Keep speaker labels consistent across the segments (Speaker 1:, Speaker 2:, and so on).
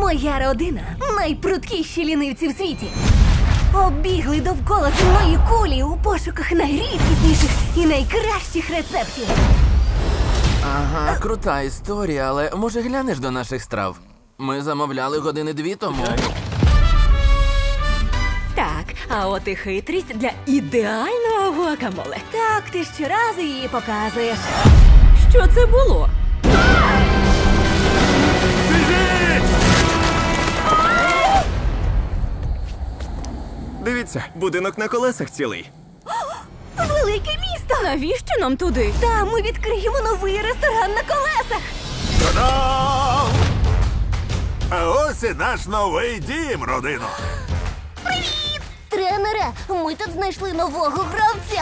Speaker 1: Моя родина найпруткіші лінивці в світі. Оббігли довкола земної кулі у пошуках найрідкісніших і найкращих рецептів.
Speaker 2: Ага, крута історія, але може глянеш до наших страв? Ми замовляли години 2 тому.
Speaker 3: Так, а от і хитрість для ідеального гуакамоле.
Speaker 1: Так, ти щоразу її показуєш.
Speaker 3: Що це було?
Speaker 4: Дивіться, будинок на колесах цілий.
Speaker 1: Велике місто!
Speaker 3: Навіщо нам туди?
Speaker 1: Там ми відкриємо новий ресторан на колесах.
Speaker 5: Та-дам! А ось і наш новий дім, родино.
Speaker 1: Тренере, ми тут знайшли нового гравця.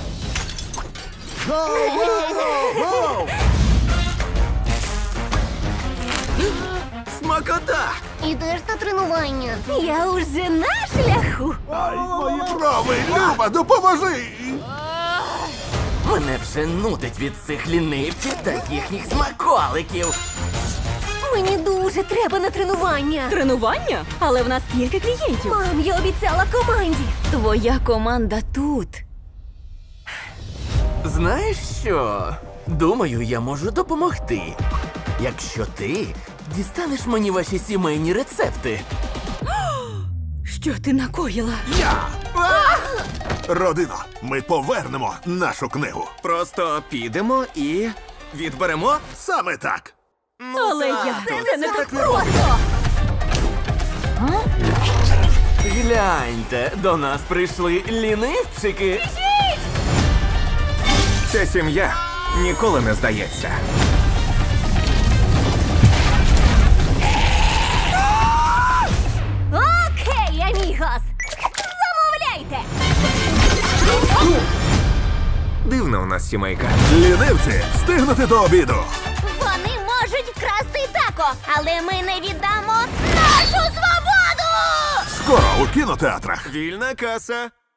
Speaker 4: Смакота!
Speaker 1: Ідеш на тренування. Я уже на шляху.
Speaker 5: Ай, мої брови, Люба, допоможи!
Speaker 2: Мене вже нудить від цих лінивців та їхніх смаколиків.
Speaker 1: Мені дуже треба на тренування.
Speaker 3: Тренування? Але в нас стільки клієнтів.
Speaker 1: Мам, я обіцяла команді.
Speaker 3: Твоя команда тут.
Speaker 2: Знаєш що? Думаю, я можу допомогти. Якщо ти дістанеш мені ваші сімейні рецепти.
Speaker 3: Що ти накоїла?
Speaker 5: Я! Родино, ми повернемо нашу книгу.
Speaker 4: Просто підемо і відберемо.
Speaker 5: Саме так.
Speaker 3: Але як? Це не так не
Speaker 1: Просто.
Speaker 2: Гляньте, до нас прийшли лінивчики.
Speaker 4: Ця сім'я ніколи не здається.
Speaker 1: Окей, амігос. Замовляйте.
Speaker 4: Дивна у нас сімейка.
Speaker 5: Лінивці, встигнути до обіду.
Speaker 1: Вони можуть вкрасти тако, але ми не віддамо нашу свободу!
Speaker 5: Скоро у кінотеатрах.
Speaker 4: Вільна каса.